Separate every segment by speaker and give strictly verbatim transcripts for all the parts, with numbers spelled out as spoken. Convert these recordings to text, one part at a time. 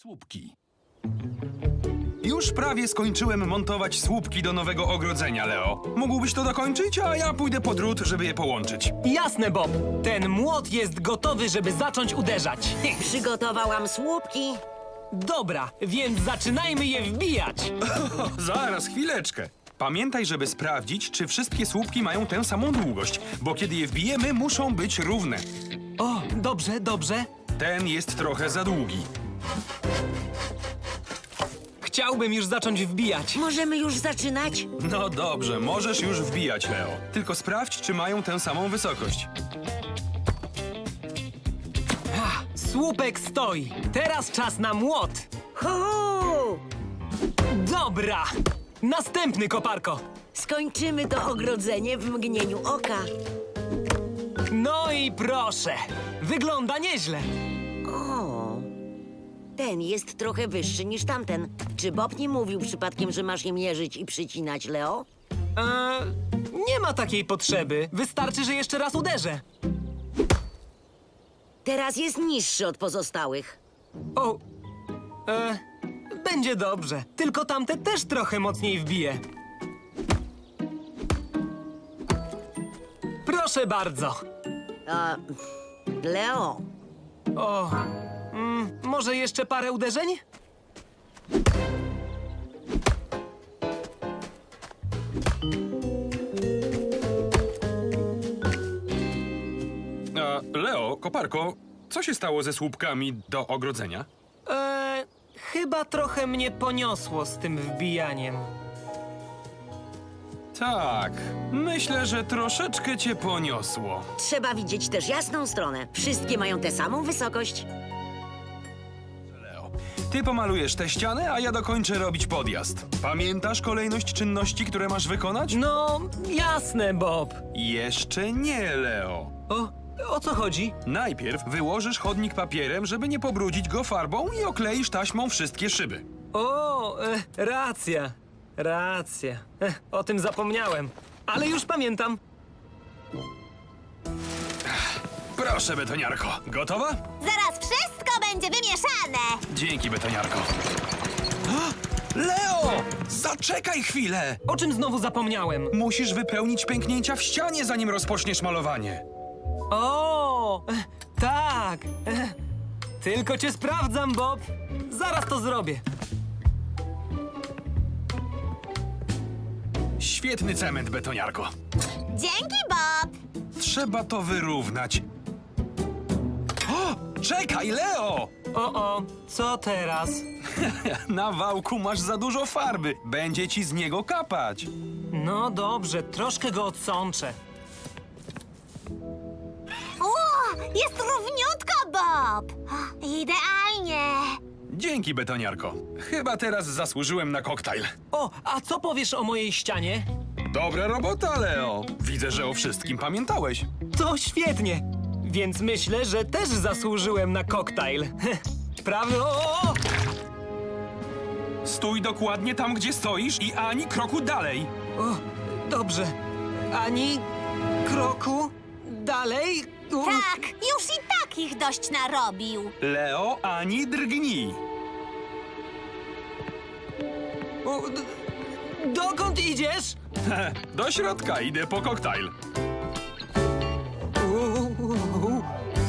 Speaker 1: Słupki. Już prawie skończyłem montować słupki do nowego ogrodzenia, Leo. Mógłbyś to dokończyć, a ja pójdę po drut, żeby je połączyć.
Speaker 2: Jasne, Bob. Ten młot jest gotowy, żeby zacząć uderzać.
Speaker 3: Przygotowałam słupki.
Speaker 2: Dobra, więc zaczynajmy je wbijać.
Speaker 1: Zaraz, chwileczkę. Pamiętaj, żeby sprawdzić, czy wszystkie słupki mają tę samą długość, bo kiedy je wbijemy, muszą być równe.
Speaker 2: O, dobrze, dobrze.
Speaker 1: Ten jest trochę za długi.
Speaker 2: Chciałbym już zacząć wbijać.
Speaker 3: Możemy już zaczynać?
Speaker 1: No dobrze, możesz już wbijać, Leo. Tylko sprawdź, czy mają tę samą wysokość.
Speaker 2: Słupek stoi. Teraz czas na młot.
Speaker 3: Hu!
Speaker 2: Dobra. Następny, koparko.
Speaker 3: Skończymy to ogrodzenie w mgnieniu oka.
Speaker 2: No i proszę. Wygląda nieźle.
Speaker 3: O, ten jest trochę wyższy niż tamten. Czy Bob nie mówił przypadkiem, że masz je mierzyć i przycinać, Leo?
Speaker 2: Eee, nie ma takiej potrzeby. Wystarczy, że jeszcze raz uderzę.
Speaker 3: Teraz jest niższy od pozostałych.
Speaker 2: O, e, będzie dobrze. Tylko tamte też trochę mocniej wbije. Proszę bardzo.
Speaker 3: A, Leo,
Speaker 2: O, mm, może jeszcze parę uderzeń?
Speaker 1: A, Leo, koparko, co się stało ze słupkami do ogrodzenia?
Speaker 2: E, chyba trochę mnie poniosło z tym wbijaniem.
Speaker 1: Tak, myślę, że troszeczkę cię poniosło.
Speaker 3: trzeba widzieć też jasną stronę. Wszystkie mają tę samą wysokość.
Speaker 1: Leo, ty pomalujesz te ściany, a ja dokończę robić podjazd. Pamiętasz kolejność czynności, które masz wykonać?
Speaker 2: No, jasne, Bob.
Speaker 1: Jeszcze nie, Leo.
Speaker 2: O, o co chodzi?
Speaker 1: Najpierw wyłożysz chodnik papierem, żeby nie pobrudzić go farbą i okleisz taśmą wszystkie szyby.
Speaker 2: O, e, racja, racja. E, o tym zapomniałem, ale już pamiętam.
Speaker 1: Proszę, betoniarko. Gotowa?
Speaker 4: Zaraz wszystko będzie wymieszane!
Speaker 1: Dzięki, betoniarko. Leo! Zaczekaj chwilę!
Speaker 2: O czym znowu zapomniałem?
Speaker 1: Musisz wypełnić pęknięcia w ścianie, zanim rozpoczniesz malowanie.
Speaker 2: O, e, tak. E, tylko cię sprawdzam, Bob. Zaraz to zrobię.
Speaker 1: Świetny cement, betoniarko.
Speaker 4: Dzięki, Bob!
Speaker 1: Trzeba to wyrównać. O! Czekaj, Leo!
Speaker 2: O, o, co teraz?
Speaker 1: Na wałku masz za dużo farby. Będzie ci z niego kapać.
Speaker 2: No dobrze, troszkę go odsączę.
Speaker 4: O, jest równiutko, Bob! Idealnie!
Speaker 1: Dzięki, betoniarko. Chyba teraz zasłużyłem na koktajl.
Speaker 2: O, a co powiesz o mojej ścianie?
Speaker 1: Dobra robota, Leo. Widzę, że o wszystkim pamiętałeś.
Speaker 2: To świetnie. Więc myślę, że też zasłużyłem na koktajl. Prawda? O, o, o!
Speaker 1: Stój dokładnie tam, gdzie stoisz i ani kroku dalej.
Speaker 2: o, dobrze. Ani kroku dalej. U,
Speaker 4: Tak, już i tak ich dość narobił.
Speaker 1: Leo, ani drgnij.
Speaker 2: u, d- dokąd idziesz?
Speaker 1: Do środka idę po koktajl.
Speaker 2: U, u, u.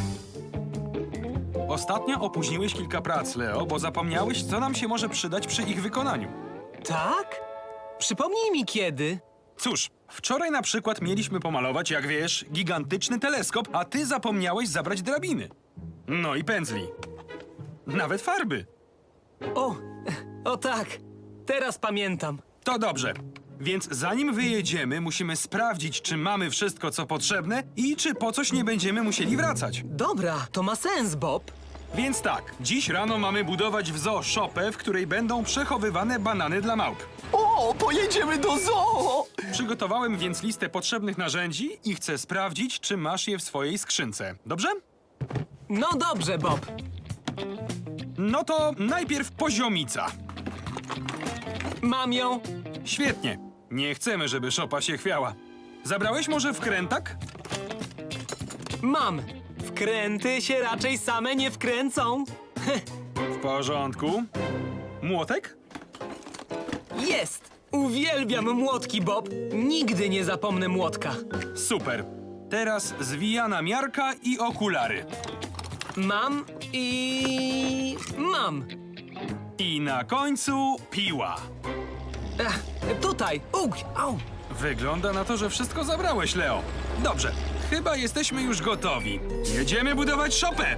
Speaker 1: Ostatnio opóźniłeś kilka prac, Leo, bo zapomniałeś, co nam się może przydać przy ich wykonaniu.
Speaker 2: Tak? Przypomnij mi kiedy.
Speaker 1: Cóż, wczoraj na przykład mieliśmy pomalować, jak wiesz, gigantyczny teleskop, a ty zapomniałeś zabrać drabiny. No i pędzli. Nawet farby.
Speaker 2: O, o tak. Teraz pamiętam.
Speaker 1: To dobrze. Więc zanim wyjedziemy, musimy sprawdzić, czy mamy wszystko, co potrzebne i czy po coś nie będziemy musieli wracać.
Speaker 2: Dobra, to ma sens, Bob.
Speaker 1: Więc tak, dziś rano mamy budować w zoo szopę, w której będą przechowywane banany dla małp.
Speaker 5: O, pojedziemy do zoo!
Speaker 1: Przygotowałem więc listę potrzebnych narzędzi i chcę sprawdzić, czy masz je w swojej skrzynce. Dobrze?
Speaker 2: No dobrze, Bob.
Speaker 1: No to najpierw poziomica.
Speaker 2: Mam ją.
Speaker 1: Świetnie. Nie chcemy, żeby szopa się chwiała. Zabrałeś może wkrętak?
Speaker 2: Mam. Wkręty się raczej same nie wkręcą.
Speaker 1: porządku. Młotek?
Speaker 2: Jest! Uwielbiam młotki, Bob. Nigdy nie zapomnę młotka.
Speaker 1: Super. Teraz zwijana miarka i okulary.
Speaker 2: Mam i... mam.
Speaker 1: I na końcu piła.
Speaker 2: Ech, tutaj. Ugh, au.
Speaker 1: Wygląda na to, że wszystko zabrałeś, Leo. Dobrze, chyba jesteśmy już gotowi. Jedziemy budować szopę!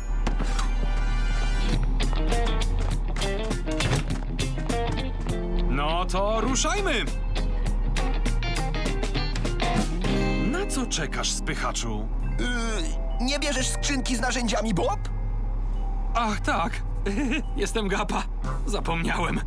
Speaker 1: No to ruszajmy! Na co czekasz, spychaczu?
Speaker 5: Yy, nie bierzesz skrzynki z narzędziami, Bob?
Speaker 1: Ach, tak. Jestem gapa. Zapomniałem.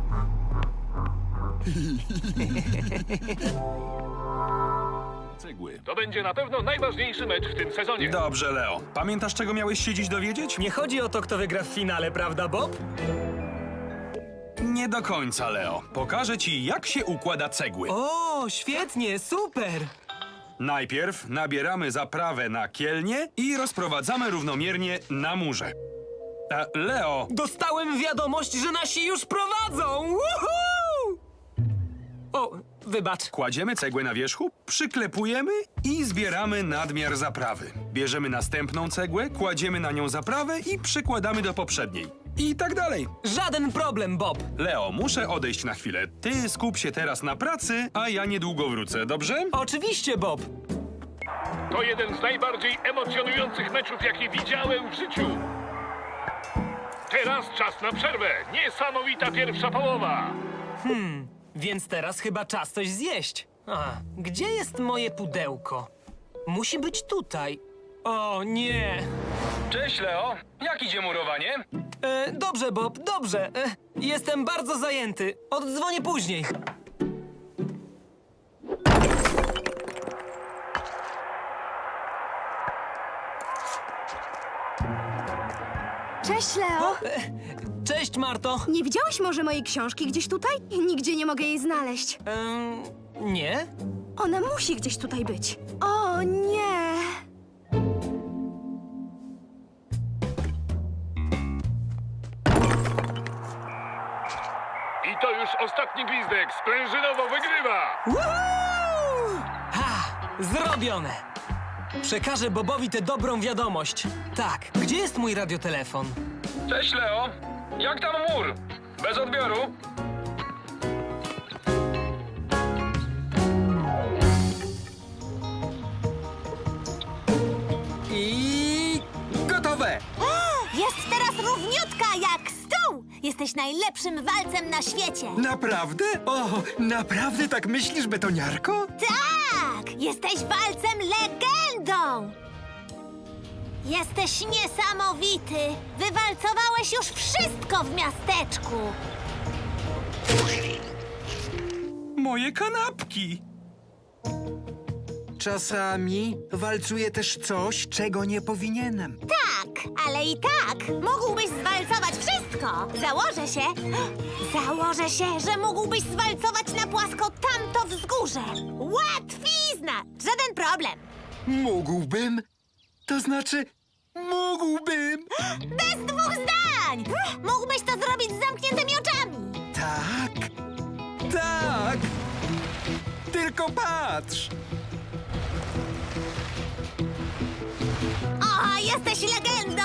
Speaker 6: Cegły. To będzie na pewno najważniejszy mecz w tym sezonie.
Speaker 1: Dobrze, Leo. Pamiętasz, czego miałeś się dziś dowiedzieć?
Speaker 2: Nie chodzi o to, kto wygra w finale, prawda, Bob?
Speaker 1: Nie do końca, Leo. Pokażę ci, jak się układa cegły.
Speaker 2: O, świetnie, super!
Speaker 1: Najpierw nabieramy zaprawę na kielnie i rozprowadzamy równomiernie na murze. A, Leo,
Speaker 2: Dostałem wiadomość, że nasi już prowadzą! Woohoo! O, wybacz.
Speaker 1: kładziemy cegłę na wierzchu, przyklepujemy i zbieramy nadmiar zaprawy. Bierzemy następną cegłę, kładziemy na nią zaprawę i przykładamy do poprzedniej. I tak dalej.
Speaker 2: Żaden problem, Bob.
Speaker 1: Leo, muszę odejść na chwilę. Ty skup się teraz na pracy, a ja niedługo wrócę, dobrze?
Speaker 2: Oczywiście, Bob.
Speaker 6: To jeden z najbardziej emocjonujących meczów, jakie widziałem w życiu. Teraz czas na przerwę. Niesamowita pierwsza połowa.
Speaker 2: Więc teraz chyba czas coś zjeść. A, gdzie jest moje pudełko? Musi być tutaj. O, nie.
Speaker 1: Cześć, Leo. Jak idzie murowanie?
Speaker 2: E, dobrze, Bob, dobrze. E, jestem bardzo zajęty. Oddzwonię później.
Speaker 7: Cześć, Leo!
Speaker 2: Cześć, Marto.
Speaker 7: Nie widziałeś może mojej książki gdzieś tutaj? Nigdzie nie mogę jej znaleźć.
Speaker 2: Em, nie?
Speaker 7: Ona musi gdzieś tutaj być. O nie!
Speaker 6: I to już ostatni gwizdek. Sprężynowo wygrywa.
Speaker 2: Woohoo! Ha! Zrobione! Przekażę Bobowi tę dobrą wiadomość. Tak, gdzie jest mój radiotelefon?
Speaker 1: Cześć, Leo. Jak tam mur? Bez odbioru?
Speaker 2: I... gotowe!
Speaker 4: Jest teraz równiutka jak stół! Jesteś najlepszym walcem na świecie!
Speaker 8: Naprawdę? O, naprawdę tak myślisz, betoniarko?
Speaker 4: Tak! Jesteś walcem legendą! Jesteś niesamowity! Wywalcowałeś już wszystko w miasteczku!
Speaker 1: Moje kanapki.
Speaker 8: Czasami walcuję też coś, czego nie powinienem.
Speaker 4: Tak, ale i tak mógłbyś zwalcować wszystko! Założę się, założę się, że mógłbyś zwalcować na płasko tamto wzgórze! Łatwizna! Żaden problem!
Speaker 8: Mógłbym? To znaczy, mógłbym!
Speaker 4: Bez dwóch zdań! Mógłbyś to zrobić z zamkniętymi oczami!
Speaker 8: Tak, tak! Tylko patrz!
Speaker 4: O, jesteś legendą!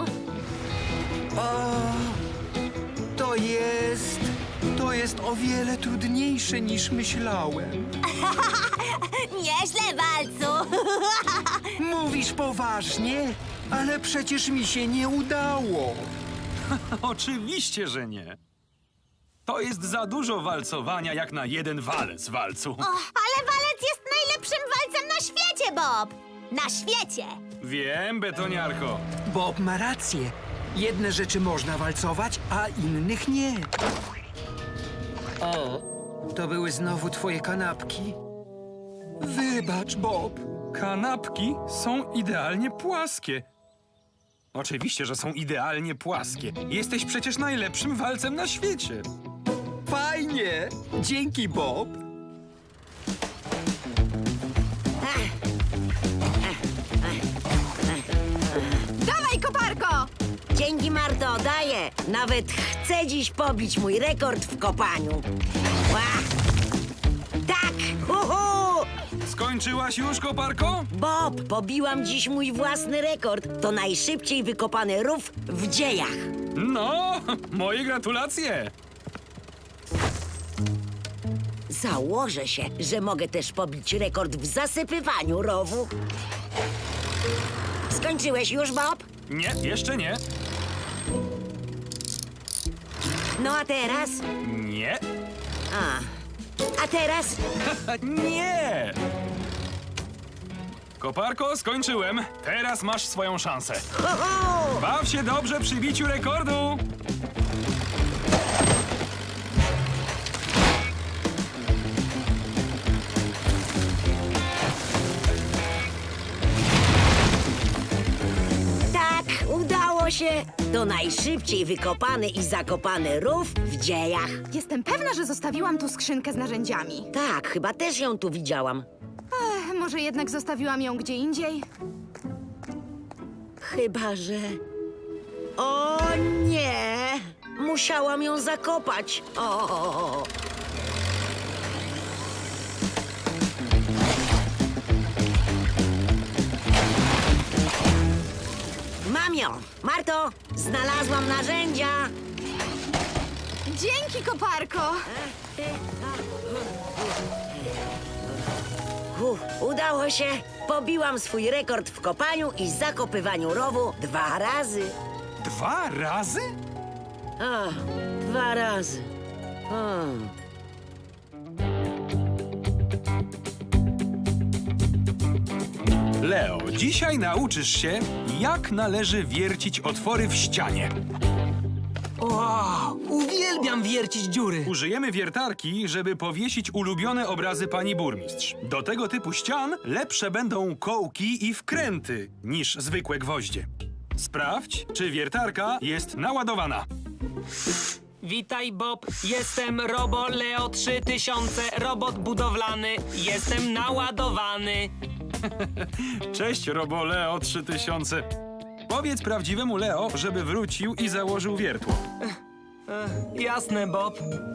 Speaker 8: O, to jest... To jest o wiele trudniejsze niż myślałem.
Speaker 4: Nieźle, walcu!
Speaker 8: Mówisz poważnie? Ale przecież mi się nie udało.
Speaker 1: Oczywiście, że nie. To jest za dużo walcowania jak na jeden walec, walcu.
Speaker 4: O, ale walec jest najlepszym walcem na świecie, Bob! Na świecie!
Speaker 1: Wiem, betoniarko.
Speaker 8: Bob ma rację. Jedne rzeczy można walcować, a innych nie. O, to były znowu twoje kanapki? Wybacz, Bob.
Speaker 1: Kanapki są idealnie płaskie. Oczywiście, że są idealnie płaskie. Jesteś przecież najlepszym walcem na świecie.
Speaker 8: Fajnie. Dzięki, Bob.
Speaker 7: Dawaj, koparko!
Speaker 3: Dzięki, Marto, daję. Nawet chcę dziś pobić mój rekord w kopaniu. Ła! Tak! Uhu!
Speaker 1: Skończyłaś już, koparko?
Speaker 3: Bob, pobiłam dziś mój własny rekord. To najszybciej wykopany rów w dziejach.
Speaker 1: No, moje gratulacje.
Speaker 3: Założę się, że mogę też pobić rekord w zasypywaniu rowu. Skończyłeś już, Bob?
Speaker 1: Nie, jeszcze nie.
Speaker 3: No a teraz?
Speaker 1: Nie.
Speaker 3: A. A teraz?
Speaker 1: Nie! Koparko, skończyłem. Teraz masz swoją szansę.
Speaker 3: Ho, ho!
Speaker 1: Baw się dobrze przy biciu rekordu.
Speaker 3: Tak, udało się. To najszybciej wykopany i zakopany rów w dziejach.
Speaker 7: Jestem pewna, że zostawiłam tu skrzynkę z narzędziami.
Speaker 3: Tak, chyba też ją tu widziałam.
Speaker 7: Ech, może jednak zostawiłam ją gdzie indziej?
Speaker 3: Chyba, że... O nie! Musiałam ją zakopać. O! Mam ją! Marto, znalazłam narzędzia!
Speaker 7: Dzięki, koparko!
Speaker 3: Uf, udało się! Pobiłam swój rekord w kopaniu i zakopywaniu rowu dwa razy.
Speaker 1: Dwa razy?
Speaker 3: O, dwa razy. O.
Speaker 1: Leo, dzisiaj nauczysz się, jak należy wiercić otwory w ścianie.
Speaker 2: Wow, uwielbiam wiercić dziury.
Speaker 1: Użyjemy wiertarki, żeby powiesić ulubione obrazy pani burmistrz. Do tego typu ścian lepsze będą kołki i wkręty niż zwykłe gwoździe. Sprawdź, czy wiertarka jest naładowana.
Speaker 2: Witaj, Bob. Jestem Robo Leo trzy tysiące, robot budowlany. Jestem naładowany.
Speaker 1: Cześć, Robo Leo trzy tysiące. Powiedz prawdziwemu Leo, żeby wrócił i założył wiertło.
Speaker 2: Jasne, Bob.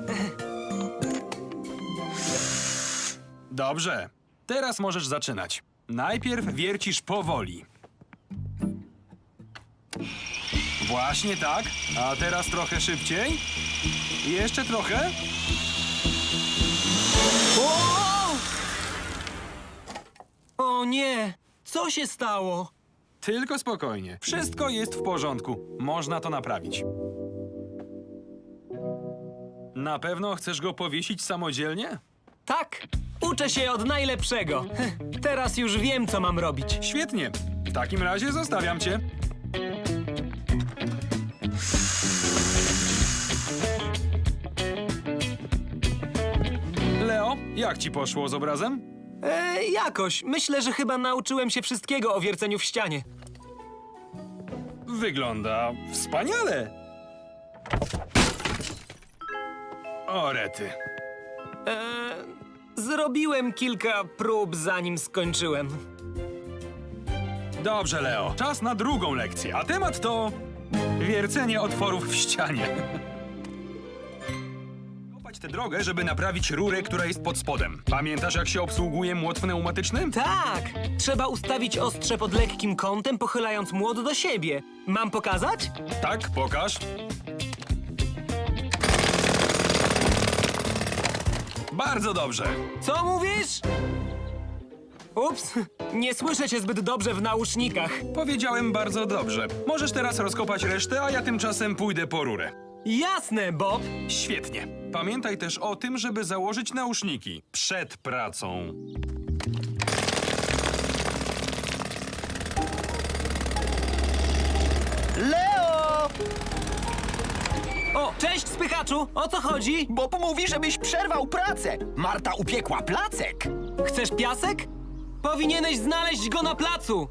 Speaker 1: Dobrze, teraz możesz zaczynać. Najpierw wiercisz powoli. Właśnie tak, a teraz trochę szybciej. I jeszcze trochę.
Speaker 2: O nie, co się stało?
Speaker 1: Tylko spokojnie. Wszystko jest w porządku. Można to naprawić. Na pewno chcesz go powiesić samodzielnie?
Speaker 2: Tak, uczę się od najlepszego. Teraz już wiem, co mam robić.
Speaker 1: Świetnie. W takim razie zostawiam cię. Leo, jak ci poszło z obrazem?
Speaker 2: E, jakoś. Myślę, że chyba nauczyłem się wszystkiego o wierceniu w ścianie.
Speaker 1: Wygląda wspaniale. O rety.
Speaker 2: E, zrobiłem kilka prób, zanim skończyłem.
Speaker 1: Dobrze, Leo. Czas na drugą lekcję. A temat to wiercenie otworów w ścianie. Kopać tę drogę, żeby naprawić rurę, która jest pod spodem. Pamiętasz, jak się obsługuje młot pneumatyczny?
Speaker 2: Tak! Trzeba ustawić ostrze pod lekkim kątem, pochylając młot do siebie. Mam pokazać?
Speaker 1: Tak, pokaż. Bardzo dobrze.
Speaker 2: Co mówisz? Ups, nie słyszę cię zbyt dobrze w nausznikach.
Speaker 1: Powiedziałem bardzo dobrze. Możesz teraz rozkopać resztę, a ja tymczasem pójdę po rurę.
Speaker 2: Jasne, Bob.
Speaker 1: Świetnie. Pamiętaj też o tym, żeby założyć nauszniki przed pracą.
Speaker 5: Leo!
Speaker 2: O, cześć, spychaczu! O co chodzi?
Speaker 5: Bob mówi, żebyś przerwał pracę. Marta upiekła placek.
Speaker 2: Chcesz piasek? Powinieneś znaleźć go na placu!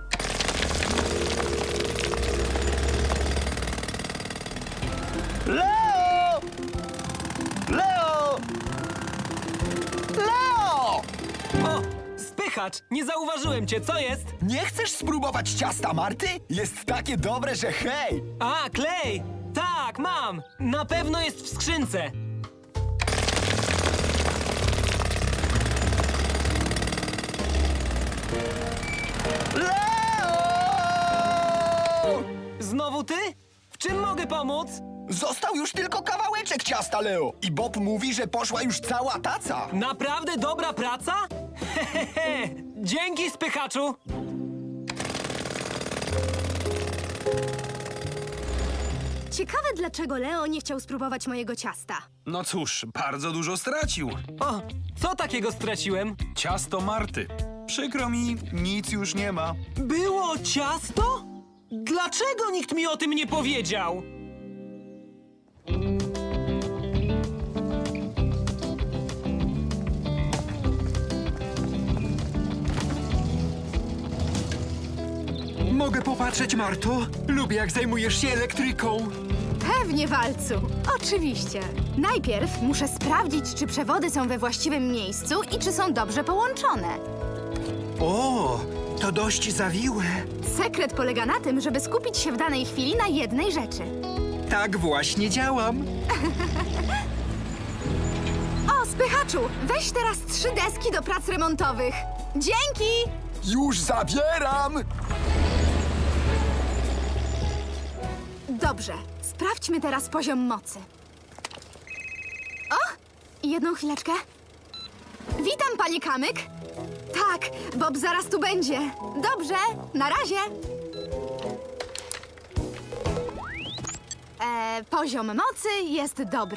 Speaker 5: Leo! Leo! Leo!
Speaker 2: O, spychacz! spychacz! Nie zauważyłem cię, co jest?
Speaker 5: Nie chcesz spróbować ciasta Marty? Jest takie dobre, że hej!
Speaker 2: A, klej! Tak, mam! Na pewno jest w skrzynce!
Speaker 5: Leo!
Speaker 2: Znowu ty? W czym mogę pomóc?
Speaker 5: Został już tylko kawałeczek ciasta, Leo. I Bob mówi, że poszła już cała taca.
Speaker 2: Naprawdę dobra praca? Hehehe! Dzięki, spychaczu!
Speaker 7: Ciekawe, dlaczego Leo nie chciał spróbować mojego ciasta.
Speaker 1: No cóż, bardzo dużo stracił.
Speaker 2: O, co takiego straciłem?
Speaker 1: Ciasto Marty. Przykro mi, nic już nie ma.
Speaker 2: Było ciasto? Dlaczego nikt mi o tym nie powiedział?
Speaker 8: Mogę popatrzeć, Marto? Lubię, jak zajmujesz się elektryką.
Speaker 7: Pewnie, Walcu. Oczywiście. Najpierw muszę sprawdzić, czy przewody są we właściwym miejscu i czy są dobrze połączone.
Speaker 8: O, to dość zawiłe.
Speaker 7: Sekret polega na tym, żeby skupić się w danej chwili na jednej rzeczy.
Speaker 8: Tak właśnie działam.
Speaker 7: O, spychaczu, weź teraz trzy deski do prac remontowych. Dzięki!
Speaker 5: Już zabieram!
Speaker 7: Dobrze, sprawdźmy teraz poziom mocy. O, jedną chwileczkę. Witam, panie Kamyk. Tak, Bob zaraz tu będzie. Dobrze, na razie. E, poziom mocy jest dobry.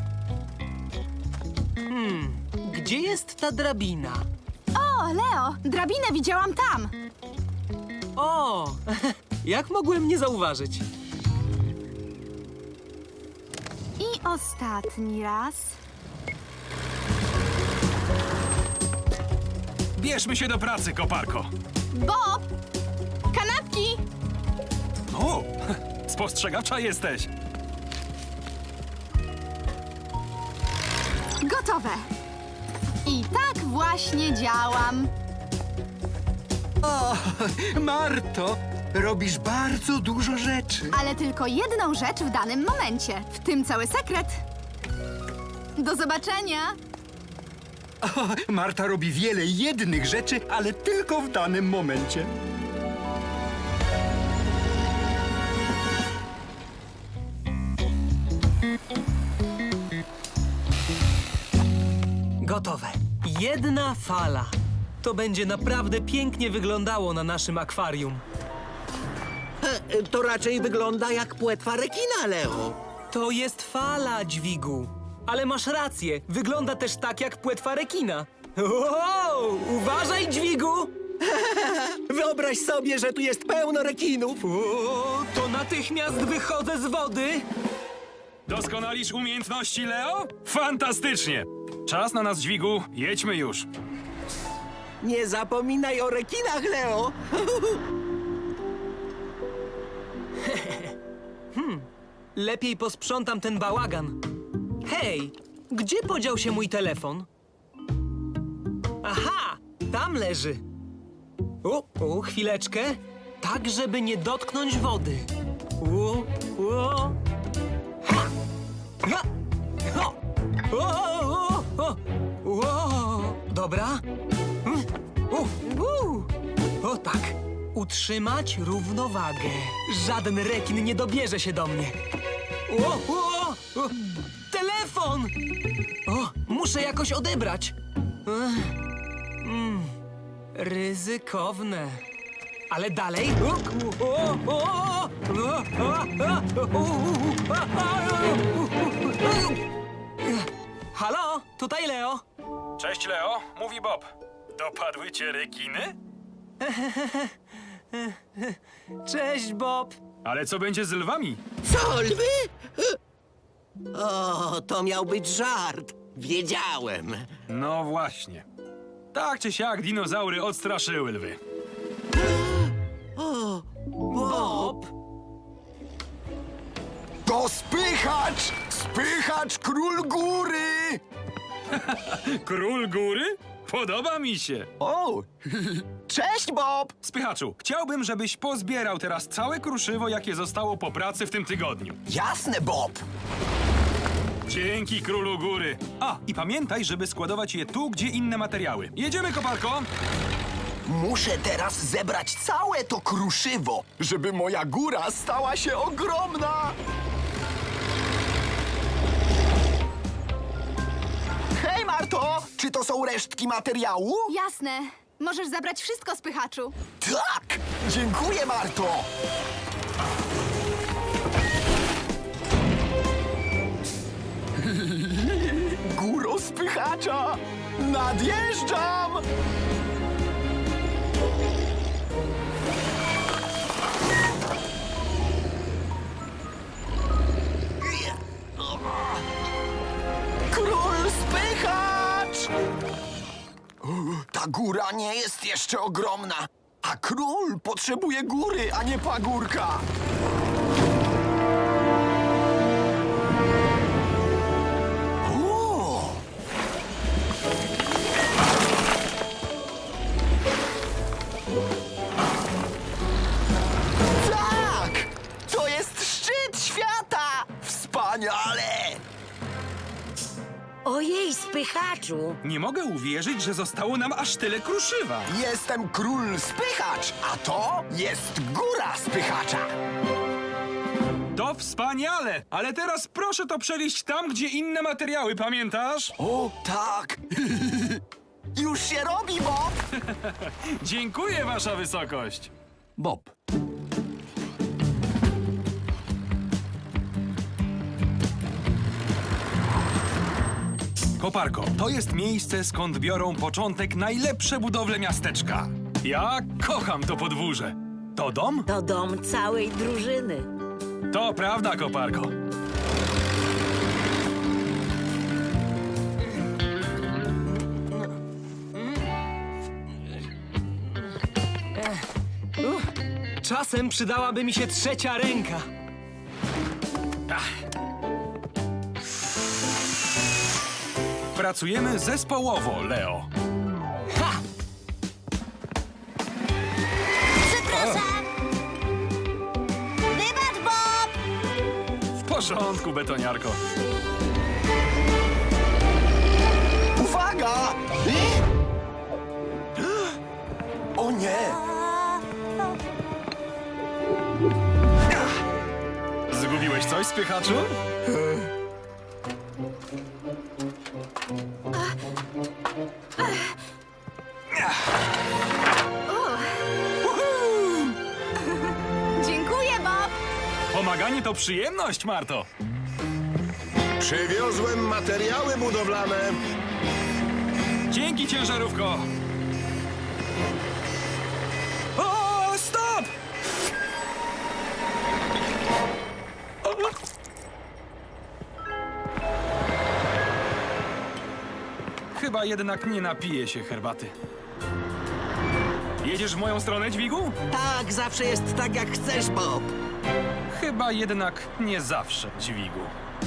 Speaker 2: Gdzie jest ta drabina?
Speaker 7: O, Leo, drabinę widziałam tam.
Speaker 2: O, jak mogłem nie zauważyć?
Speaker 7: I ostatni raz.
Speaker 1: Bierzmy się do pracy, koparko.
Speaker 7: Bob! Kanapki!
Speaker 1: O, spostrzegawcza jesteś.
Speaker 7: Gotowe. I tak właśnie działam.
Speaker 8: O, Marto, robisz bardzo dużo rzeczy.
Speaker 7: Ale tylko jedną rzecz w danym momencie. W tym cały sekret. Do zobaczenia.
Speaker 8: O, Marta robi wiele jednych rzeczy, ale tylko w danym momencie.
Speaker 2: Gotowe. Jedna fala. To będzie naprawdę pięknie wyglądało na naszym akwarium.
Speaker 9: To raczej wygląda jak płetwa rekina, Leo.
Speaker 2: To jest fala, dźwigu. Ale masz rację, wygląda też tak jak płetwa rekina. Wow, uważaj, dźwigu!
Speaker 9: Wyobraź sobie, że tu jest pełno rekinów.
Speaker 2: O, to natychmiast wychodzę z wody.
Speaker 1: Doskonalisz umiejętności, Leo? Fantastycznie! Czas na nas, dźwigu. Jedźmy już.
Speaker 9: Nie zapominaj o rekinach, Leo.
Speaker 2: Lepiej posprzątam ten bałagan. Hej, gdzie podział się mój telefon? Aha, tam leży. O, o, chwileczkę. Tak, żeby nie dotknąć wody. O, o. Ha! Ha! Ho! O, o, o, o. Dobra. Mm. U, u. O tak. Utrzymać równowagę. Żaden rekin nie dobierze się do mnie. O, o, o. Telefon! O, muszę jakoś odebrać. Ech. Mm. Ryzykowne. Ale dalej. O, o, o, o, o, o, o. Halo, tutaj Leo.
Speaker 1: Cześć, Leo. Mówi Bob. Dopadły cię rekiny?
Speaker 2: Cześć, Bob.
Speaker 1: Ale co będzie z lwami?
Speaker 9: Co, lwy? O, to miał być żart. Wiedziałem.
Speaker 1: No właśnie. Tak czy siak dinozaury odstraszyły lwy.
Speaker 2: Bob.
Speaker 5: To spychacz! Spychacz król góry!
Speaker 1: Król góry? Podoba mi się.
Speaker 5: O! Cześć, Bob!
Speaker 1: Spychaczu, chciałbym, żebyś pozbierał teraz całe kruszywo, jakie zostało po pracy w tym tygodniu.
Speaker 5: Jasne, Bob!
Speaker 1: Dzięki, królu góry. A, i pamiętaj, żeby składować je tu, gdzie inne materiały. Jedziemy, koparko!
Speaker 5: Muszę teraz zebrać całe to kruszywo, żeby moja góra stała się ogromna! Hej, Marto! Czy to są resztki materiału?
Speaker 7: Jasne. Możesz zabrać wszystko, spychaczu.
Speaker 5: Tak! Dziękuję, Marto! Góro spychacza! Nadjeżdżam! Król spychacz! Ta góra nie jest jeszcze ogromna, a król potrzebuje góry, a nie pagórka. O! Tak! To jest szczyt świata! Wspaniale!
Speaker 3: Ojej, spychaczu!
Speaker 1: Nie mogę uwierzyć, że zostało nam aż tyle kruszywa.
Speaker 5: Jestem król spychacz, a to jest góra spychacza.
Speaker 1: To wspaniale! Ale teraz proszę to przenieść tam, gdzie inne materiały, pamiętasz?
Speaker 5: O, tak! Już się robi, Bob!
Speaker 1: Dziękuję, wasza wysokość.
Speaker 8: Bob.
Speaker 1: Koparko, to jest miejsce, skąd biorą początek najlepsze budowle miasteczka. Ja kocham to podwórze. To dom?
Speaker 3: To dom całej drużyny.
Speaker 1: To prawda, koparko.
Speaker 2: Czasem przydałaby mi się trzecia ręka.
Speaker 1: Pracujemy zespołowo, Leo.
Speaker 2: Ha!
Speaker 4: Przepraszam! Wybacz, Bob!
Speaker 1: W porządku, betoniarko.
Speaker 5: Uwaga! O nie!
Speaker 1: Zgubiłeś coś, spychaczu?
Speaker 7: Dziękuję, Bob.
Speaker 1: Pomaganie to przyjemność, Marto.
Speaker 9: Przywiozłem materiały budowlane.
Speaker 1: Dzięki, ciężarówko. O, stop! Chyba jednak nie napiję się herbaty. Jedziesz w moją stronę, dźwigu?
Speaker 9: Tak, zawsze jest tak, jak chcesz, Bob.
Speaker 1: Chyba jednak nie zawsze, dźwigu.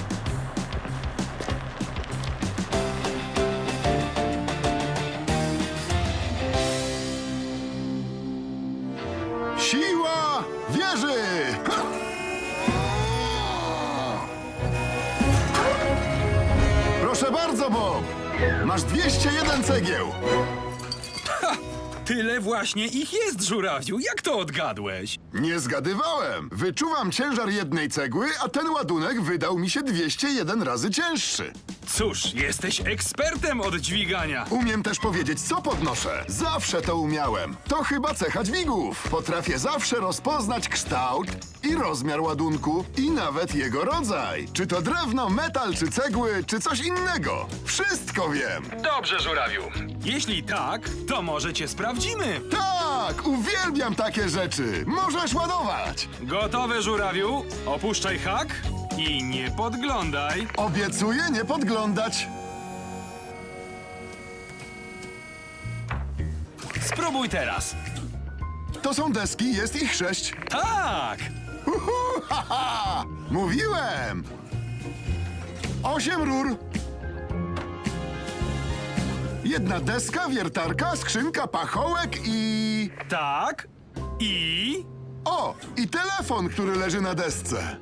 Speaker 10: Siła wieży! Ha! Proszę bardzo, Bob! Masz dwieście jeden cegieł.
Speaker 1: Tyle właśnie ich jest, żurawiu. Jak to odgadłeś?
Speaker 10: Nie zgadywałem. Wyczuwam ciężar jednej cegły, a ten ładunek wydał mi się dwieście jeden razy cięższy.
Speaker 1: Cóż, jesteś ekspertem od dźwigania.
Speaker 10: Umiem też powiedzieć, co podnoszę. Zawsze to umiałem. To chyba cecha dźwigów. Potrafię zawsze rozpoznać kształt i rozmiar ładunku i nawet jego rodzaj. Czy to drewno, metal, czy cegły, czy coś innego. Wszystko wiem.
Speaker 1: Dobrze, żurawiu. Jeśli tak, to może cię sprawdzimy.
Speaker 10: Tak, uwielbiam takie rzeczy. Możesz ładować.
Speaker 1: Gotowe, żurawiu. Opuszczaj hak i nie podglądaj.
Speaker 10: Obiecuję nie podglądać.
Speaker 1: Spróbuj teraz.
Speaker 10: To są deski, jest ich sześć.
Speaker 1: Tak!
Speaker 10: Uhu, haha! Mówiłem! Osiem rur. Jedna deska, wiertarka, skrzynka, pachołek i...
Speaker 1: Tak. I...
Speaker 10: O! I telefon, który leży na desce.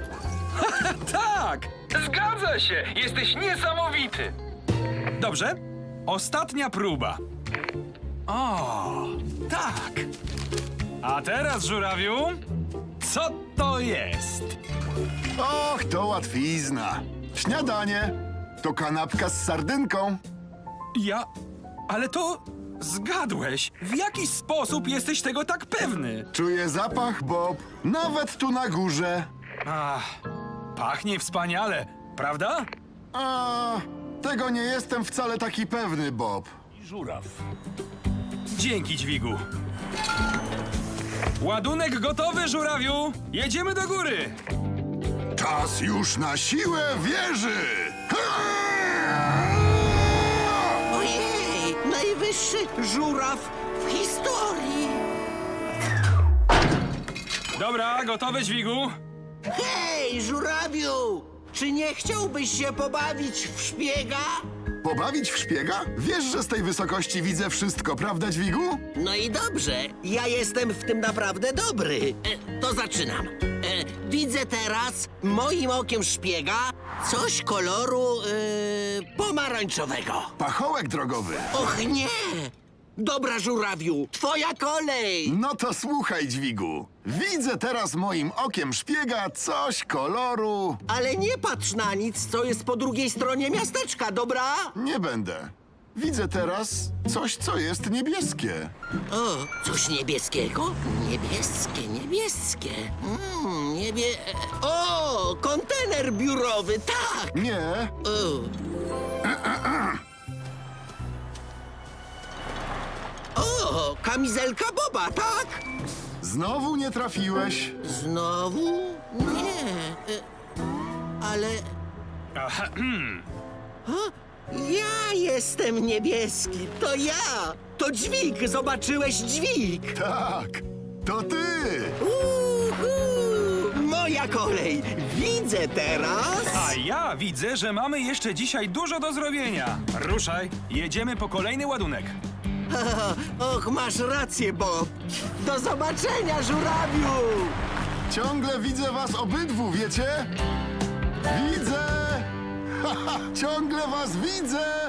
Speaker 1: Tak! Zgadza się! Jesteś niesamowity! Dobrze. Ostatnia próba. O, tak. A teraz, żurawiu, co to jest?
Speaker 10: Och, to łatwizna. Śniadanie. To kanapka z sardynką.
Speaker 1: Ja... Ale to... Zgadłeś. W jaki sposób jesteś tego tak pewny?
Speaker 10: Czuję zapach, Bob. Nawet tu na górze.
Speaker 1: Ach, pachnie wspaniale, prawda?
Speaker 10: A, tego nie jestem wcale taki pewny, Bob.
Speaker 6: Żuraw.
Speaker 1: Dzięki, dźwigu. Ładunek gotowy, żurawiu. Jedziemy do góry.
Speaker 10: Czas już na siłę wieży!
Speaker 9: Ojej, najwyższy żuraw w historii.
Speaker 1: Dobra, gotowe, dźwigu.
Speaker 9: Hej, żurawiu! Czy nie chciałbyś się pobawić w szpiega?
Speaker 10: Pobawić w szpiega? Wiesz, że z tej wysokości widzę wszystko, prawda, dźwigu?
Speaker 9: No i dobrze, ja jestem w tym naprawdę dobry. E, to zaczynam. E, widzę teraz moim okiem szpiega coś koloru e, pomarańczowego.
Speaker 10: Pachołek drogowy.
Speaker 9: Och nie! Dobra, żurawiu, twoja kolej!
Speaker 10: No to słuchaj, dźwigu. Widzę teraz moim okiem szpiega coś koloru...
Speaker 9: Ale nie patrz na nic, co jest po drugiej stronie miasteczka, dobra?
Speaker 10: Nie będę. Widzę teraz coś, co jest niebieskie.
Speaker 9: O, coś niebieskiego? Niebieskie, niebieskie. Mm, niebie... O, kontener biurowy, tak!
Speaker 10: Nie,
Speaker 9: O, o kamizelka Boba, tak?
Speaker 10: znowu nie trafiłeś.
Speaker 9: Znowu? Nie. E, ale...
Speaker 1: Aha,
Speaker 9: O, ja jestem niebieski, to ja! To dźwig, zobaczyłeś dźwig!
Speaker 10: Tak, to ty.
Speaker 9: Uhu, moja kolej! Widzę teraz...
Speaker 1: a ja widzę, że mamy jeszcze dzisiaj dużo do zrobienia. Ruszaj, jedziemy po kolejny ładunek.
Speaker 9: Och, masz rację, Bob! Do zobaczenia, żurawiu!
Speaker 10: Ciągle widzę was obydwu, wiecie? Widzę! Haha, ciągle was widzę!